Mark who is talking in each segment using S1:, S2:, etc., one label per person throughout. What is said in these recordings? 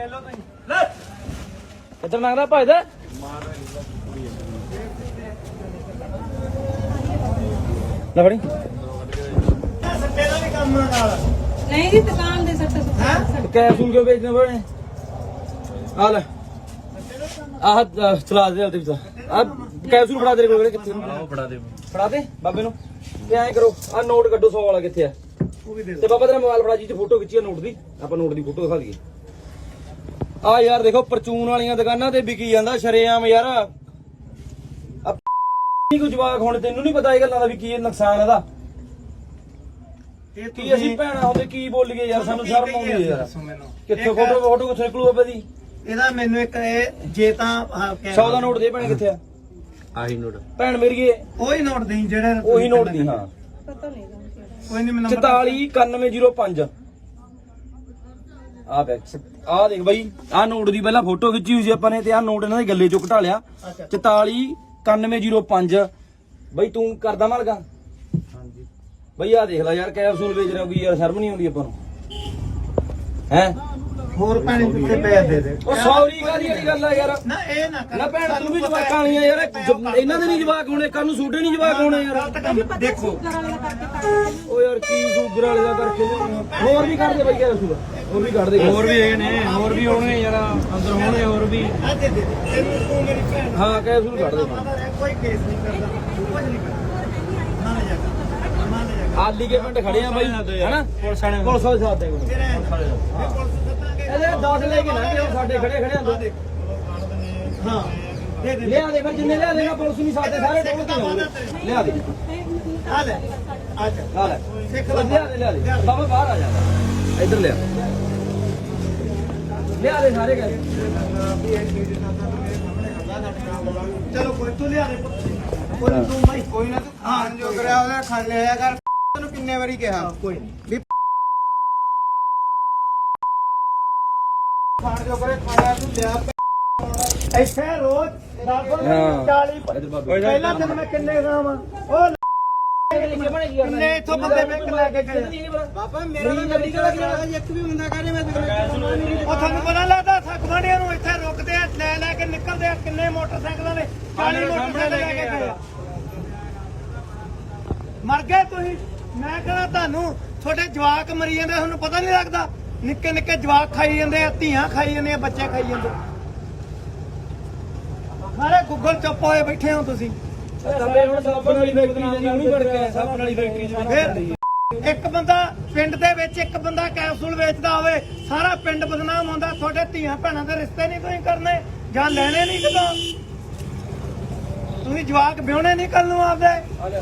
S1: ਲਓ ਤੁਸੀਂ ਲੈ ਕਿੱਧਰ ਮੰਗਦਾ ਭਜਦਾ ਲੈ ਫੜੀ
S2: ਸੱਟੇ ਦਾ ਵੀ ਕੰਮ ਨਾਲ
S3: ਨਹੀਂ ਜੀ ਦੁਕਾਨ ਦੇ ਸੱਟੇ ਸੁੱਟੇ
S1: ਕੈਪਸੂਲ ਕਿਉਂ ਵੇਚਦੇ ਬਣੇ ਆ ਲੈ ਆਹ ਚਲਾ ਦੇ ਹਲਤੇ ਵਿੱਚ ਆ ਕੈਪਸੂਲ ਫੜਾ ਤੇਰੇ ਕੋਲ ਕਿੱਥੇ ਆਹ ਫੜਾ ਦੇ ਬਾਬੇ ਨੂੰ ਤੇ ਐਂ ਕਰੋ ਆ ਨੋਟ ਕੱਢੋ 100 ਵਾਲਾ ਕਿੱਥੇ ਆ
S2: ਉਹ ਵੀ ਦੇ
S1: ਤੇ ਬਾਬਾ ਤੇਰਾ ਮੋਬਾਈਲ ਫੜਾ ਜੀ ਤੇ ਫੋਟੋ ਖਿੱਚੀ ਆ ਨੋਟ ਦੀ ਆਪਾਂ ਨੋਟ ਦੀ ਫੋਟੋ ਦਿਖਾ ਦਈਏ ਆ ਯਾਰ ਦੇਖੋ ਪਰਚੂਨ ਵਾਲੀਆਂ ਦੁਕਾਨਾਂ ਤੇ ਵਿਕੀ ਜਾਂਦਾ ਸ਼ਰੇਆਮ ਯਾਰ ਆ ਕੋਈ ਜਵਾਕ ਹੁਣ ਤੈਨੂੰ ਨਹੀਂ ਪਤਾ ਇਹ ਗੱਲਾਂ ਦਾ ਵੀ ਕੀ ਨੁਕਸਾਨ ਇਹਦਾ ਕੀ ਅਸੀਂ ਭੈਣਾ ਹੁੰਦੇ ਕੀ ਬੋਲੀਏ ਯਾਰ ਸਾਨੂੰ ਸ਼ਰਮ ਆਉਂਦੀ ਹੈ ਯਾਰ ਕਿੱਥੇ ਫੋਟੋ ਕਿੱਥੇ ਨਿਕਲੂ ਬਾਬਾ ਦੀ
S2: ਇਹਦਾ ਮੈਨੂੰ ਇੱਕ ਇਹ ਜੇ ਤਾਂ
S1: 100 ਦਾ ਨੋਟ ਦੇ ਭੈਣ ਕਿੱਥੇ ਆ
S4: ਆਹੀ ਨੋਟ
S1: ਭੈਣ ਮੇਰੀਏ
S2: ਉਹੀ ਨੋਟ ਦੇਈ ਜਿਹੜੇ
S1: ਉਹੀ ਨੋਟ ਦੀ ਹਾਂ
S3: ਪਤਾ ਨਹੀਂ
S2: ਕੋਈ ਨਹੀਂ ਮੈਨੂੰ
S1: 449105 ਆ ਬੈਕ ਆ ਦੇਖ ਬਾਈ ਆ ਨੋਟ ਦੀ ਪਹਿਲਾਂ ਫੋਟੋ ਖਿੱਚੀ ਹੋਈ ਸੀ ਆਪਾਂ ਨੇ ਤੇ ਆ ਨੋਟ ਇਹਨਾਂ ਦੇ ਗੱਲੇ ਚੋਂ ਘਟਾ ਲਿਆ 449105 ਬਾਈ ਤੂੰ ਕਰਦਾ ਮਾਲਗਾ
S4: ਹਾਂਜੀ
S1: ਬਈ ਆ ਦੇਖ ਲੈ ਯਾਰ ਕੈਪਸੂਲ ਵੇਚ ਰਿਹਾ ਕੋਈ ਯਾਰ ਸ਼ਰਮ ਨਹੀਂ ਆਉਂਦੀ ਆਪਾਂ ਨੂੰ ਹੈ
S2: ਹੋਰ ਪਾਣੀ ਕਿੱਥੇ ਪਿਆ ਦੇ ਦੇ
S1: ਉਹ ਸੌਰੀ ਕਾਦੀ ਵਾਲੀ ਗੱਲ ਆ ਯਾਰ
S2: ਨਾ ਇਹ ਨਾ ਕਰ
S1: ਨਾ ਭੈਣ ਤੂੰ ਵੀ ਜਵਾਕਾਂ ਵਾਲੀਆਂ ਯਾਰ ਇਹਨਾਂ ਦੇ ਨਹੀਂ ਜਵਾਕ ਹੋਣੇ ਕੱਲ ਨੂੰ ਸੂਡੇ ਨਹੀਂ ਜਵਾਕ ਹੋਣੇ ਯਾਰ
S2: ਗਲਤ ਕੰਮ ਦੇਖੋ
S1: ਉਹ ਯਾਰ ਕੀ ਸ਼ੂਗਰ ਵਾਲੇ ਦਾ ਕਰਕੇ ਹੋਰ ਵੀ ਕੱਢ ਦੇ ਬਾਈ ਕੈਪਸੂਲ ਹੋਰ ਵੀ ਕੱਢ ਦੇ
S4: ਹੋਰ ਵੀ ਹੈਗੇ ਨੇ ਹੋਰ ਵੀ ਹੋਣਗੇ ਯਾਰ ਅੰਦਰ ਹੋਣਗੇ ਹੋਰ ਵੀ
S2: ਆ ਦੇ ਦੇ ਤੈਨੂੰ ਤੂੰ ਮੇਰੀ ਭੈਣ
S1: ਹਾਂ ਕੈਪਸੂਲ ਕੱਢ ਦੇ
S2: ਕੋਈ ਕੇਸ ਨਹੀਂ ਕਰਦਾ ਕੁਝ ਨਹੀਂ ਕਰਦਾ ਨਾ ਲੈ ਜਾ ਨਾ ਲੈ ਜਾ
S1: ਆਲੀ ਕੇ ਪਿੰਡ ਖੜੇ ਆ ਬਾਈ ਹੈਨਾ
S4: ਪੁਲਿਸ ਵਾਲੇ
S1: ਪੁਲਿਸ ਵਾਲੇ ਸਾਥ ਦੇ ਕੋਲ
S2: ਤੇਰੇ ਇਹ ਪੁਲਿਸ ਸੱਤਾਂਗੇ
S1: ਇਹਦੇ 10 ਲੈ ਕੇ ਨਾ ਸਾਡੇ ਖੜੇ ਖੜੇ ਆ ਦੋ
S2: ਹਾਂ ਦੇ ਦੇ
S1: ਲਿਆ ਦੇ ਫਿਰ ਜਿੰਨੇ ਲਿਆ ਦੇਗਾ ਪੁਲਿਸ ਨਹੀਂ ਸਾਡੇ ਸਾਰੇ ਟੋਲ ਤੇ ਹੋਣਗੇ ਲਿਆ ਦੇ
S2: ਆ ਲੈ ਆ ਜਾ
S1: ਆ ਲੈ
S2: ਸਿੱਖ
S1: ਲਿਆ ਦੇ ਬਾਬਾ ਬਾਹਰ ਆ ਜਾ ਇੱਧਰ ਲਿਆ ਲਿਆ ਦੇ ਸਾਰੇ ਗਏ
S2: ਚਲੋ ਕੋਈ ਤੂੰ ਲਿਆ ਦੇ ਕੋਈ ਨੀ ਤੂੰ ਭਾਈ ਕੋਈ ਨਾ ਤੂੰ ਖਾਣ ਜੋ ਕਰਿਆ ਉਹਦਾ ਖਾ ਲਿਆ ਕਰ ਤੈਨੂੰ ਕਿੰਨੇ ਵਾਰੀ ਕਿਹਾ ਕੋਈ ਨਹੀਂ ਖਾਣ ਜੋ ਕਰੇ ਖਾਣਾ ਤੂੰ ਲਿਆ ਇੱਥੇ ਰੋਜ਼ 40 ਪਹਿਲਾਂ ਦਿਨ ਮੈਂ ਕਿੰਨੇ ਖਾਵਾਂ ਉਹ ਕਿੰਨੇ ਇਥੋਂ ਬੰਦੇ ਮੈਂ ਲੈ ਕੇ ਗਏ ਬਾਬਾ ਮੇਰਾ ਤਾਂ ਗੱਡੀ ਦਾ ਇੱਕ ਵੀ ਬੰਦਾ ਕਹੇ ਮੈਂ ਉਹ ਤੁਹਾਨੂੰ ਪਤਾ ਲੱਗਦਾ ਸਖਵਾੜੀਆਂ ਨੂੰ ਇੱਥੇ ਰੁਕਦੇ ਆ ਲੈ ਕੇ ਨਿਕਲਦੇ ਆ ਕਿੰਨੇ ਮੋਟਰਸਾਈਕਲਾਂ ਨੇ 40 ਮੋਟਰਸਾਈਕਲ ਲੈ ਕੇ ਗਏ ਮਰ ਗਏ ਤੁਸੀਂ ਮੈਂ ਕਹਿੰਦਾ ਤੁਹਾਨੂੰ ਤੁਹਾਡੇ ਜਵਾਕ ਮਰੀ ਜਾਂਦੇ ਤੁਹਾਨੂੰ ਪਤਾ ਨਹੀਂ ਲੱਗਦਾ ਨਿੱਕੇ ਨਿੱਕੇ ਜਵਾਕ ਖਾਈ ਜਾਂਦੇ ਆ ਧੀਆਂ ਖਾਈ ਜਾਂਦੇ ਆ ਬੱਚੇ ਖਾਈ ਜਾਂਦੇ ਸਾਰੇ ਗੁੱਗਲ ਚੁੱਪ ਹੋਏ ਬੈਠੇ ਹੋ ਤੁਸੀਂ
S1: ਸਾਡੇ ਹੁਣ ਸਾਬਣ ਵਾਲੀ ਫੈਕਟਰੀ ਜਾਂਦੀ ਉਹਨੂੰ ਫੜ ਕੇ ਸਾਬਣ ਵਾਲੀ ਫੈਕਟਰੀ ਚ
S2: ਫਿਰ ਇੱਕ ਬੰਦਾ ਪਿੰਡ ਦੇ ਵਿੱਚ ਇੱਕ ਬੰਦਾ ਕੈਪਸੂਲ ਵੇਚਦਾ ਹੋਵੇ ਸਾਰਾ ਪਿੰਡ ਬਦਨਾਮ ਹੁੰਦਾ ਤੁਹਾਡੇ ਧੀਆਂ ਭੈਣਾਂ ਦੇ ਰਿਸ਼ਤੇ ਨਹੀਂ ਤੁਸੀਂ ਕਰਨੇ ਜਾਂ ਲੈਣੇ ਨਹੀਂ ਕਦੋਂ ਤੁਸੀਂ ਜਵਾਕ ਵਿਆਹਣੇ ਨਹੀਂ ਕਰਨ ਨੂੰ ਆਪਦੇ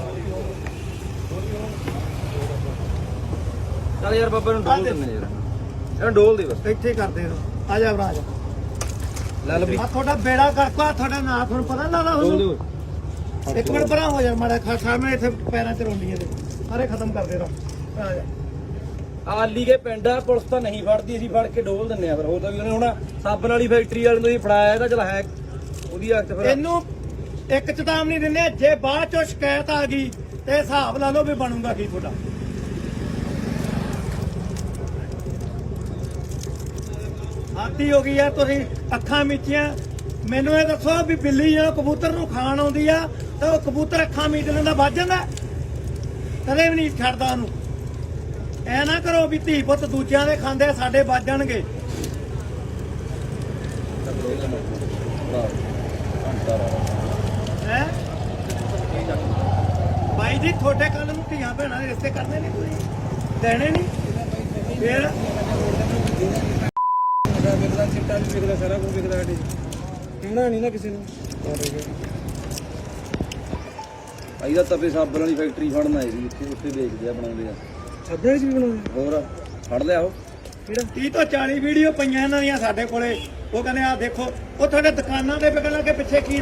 S1: ਚੱਲ ਯਾਰ ਬਾਬਾ ਨੂੰ ਡੋਲ ਦਿੰਦੇ ਯਾਰ ਇਹਨੂੰ ਡੋਲ ਦੇ ਬਸ
S2: ਇੱਥੇ ਕਰਦੇ ਆ ਜਾ ਭਰਾ ਜਾ
S1: ਲੈ ਲਵੀ
S2: ਆ ਤੁਹਾਡਾ ਬੇੜਾ ਕਰਕਾ ਤੁਹਾਡਾ ਨਾਂ ਤੁਹਾਨੂੰ ਪਤਾ ਨਾ
S1: ਡੋਲ ਦੇ
S2: ਉਹਨੂੰ ਇੱਕ ਮਿੰਟ ਭਰਾ ਹੋ ਜਾ ਮਾੜਾ ਸਾਹਮਣੇ ਇੱਥੇ ਪੈਰਾਂ 'ਚ ਰੋਂਦੀਆਂ ਦੇ ਸਾਰੇ ਖਤਮ ਕਰਦੇ ਰਹੋ ਆ ਜਾ
S1: ਆਲੀ ਕੇ ਪਿੰਡ ਆ ਪੁਲਿਸ ਤਾਂ ਨਹੀਂ ਫੜਦੀ ਅਸੀਂ ਫੜ ਕੇ ਡੋਲ ਦਿੰਨੇ ਆ ਫਿਰ ਉਹ ਤਾਂ ਵੀ ਉਹਨੇ ਹੁਣ ਸਾਬਣ ਵਾਲੀ ਫੈਕਟਰੀ ਵਾਲੇ ਨੂੰ ਹੀ ਫੜਾਇਆ ਇਹਦਾ ਚਲ ਹੈ ਉਹਦੀ ਹੱਥ ਫਿਰ
S2: ਇਹਨੂੰ ਇੱਕ ਚੇਤਾਵਨੀ ਦਿੰਦੇ ਆ ਜੇ ਬਾਅਦ ਚੋਂ ਸ਼ਿਕਾਇਤ ਆ ਗਈ ਤੇ ਹਿਸਾਬ ਲਾ ਲਓ ਵੀ ਬਣੂਗਾ ਕੀ ਤੁਹਾਡਾ ਆਤੀ ਹੋ ਗਈ ਆ ਤੁਸੀਂ ਅੱਖਾਂ ਮੀਚੀਆਂ ਮੈਨੂੰ ਇਹ ਦੱਸੋ ਵੀ ਬਿੱਲੀ ਜਦੋਂ ਕਬੂਤਰ ਨੂੰ ਖਾਣ ਆਉਂਦੀ ਆ ਤਾਂ ਉਹ ਕਬੂਤਰ ਅੱਖਾਂ ਮੀਚ ਲੈਂਦਾ ਵੱਜ ਜਾਂਦਾ ਕਦੇ ਵੀ ਨਹੀਂ ਛੱਡਦਾ ਉਹਨੂੰ ਐ ਨਾ ਕਰੋ ਵੀ ਧੀ ਪੁੱਤ ਦੂਜਿਆਂ ਦੇ ਖਾਂਦੇ ਸਾਡੇ ਵੱਜ ਜਾਣਗੇ ਹੈ ਬਾਈ ਜੀ ਤੁਹਾਡੇ ਕੱਲ ਨੂੰ ਧੀਆਂ ਭੈਣਾਂ ਦੇ ਰਿਸ਼ਤੇ ਕਰਨੇ ਨਹੀਂ ਤੁਸੀਂ ਦੇਣੇ ਨਹੀਂ ਫੇਰ
S4: ਵਿਕਦਾ ਚਿੱਟਾ ਵੀ ਵਿਕਦਾ ਸਾਰਾ ਕੁਝ ਵਿਕਦਾ ਸਾਡੇ ਕਹਿਣਾ ਨਹੀਂ ਨਾ ਕਿਸੇ ਨੂੰ
S1: ਭਾਈ ਦਾ ਤਪੇ ਸਾਬਣ ਵਾਲੀ ਫੈਕਟਰੀ ਫੜਨ ਆਏ ਸੀ ਉੱਥੇ ਵੇਚਦੇ ਆ ਬਣਾਉਂਦੇ ਆ
S4: ਸਾਬਣ ਚ ਵੀ ਬਣਾਉਂਦੇ
S1: ਹੋਰ ਫੜ ਲਿਆ ਉਹ
S2: ਕਿਹੜਾ 30 ਤੋਂ 40 ਵੀਡੀਓ ਪਈਆਂ ਇਹਨਾਂ ਦੀਆਂ ਸਾਡੇ ਕੋਲੇ ਉਹ ਕਹਿੰਦੇ ਆ ਦੇਖੋ ਉਹ ਤੁਹਾਡੇ ਦੁਕਾਨਾਂ ਦੇ ਵਿਕਣ ਲੱਗੇ ਪਿੱਛੇ ਕੀ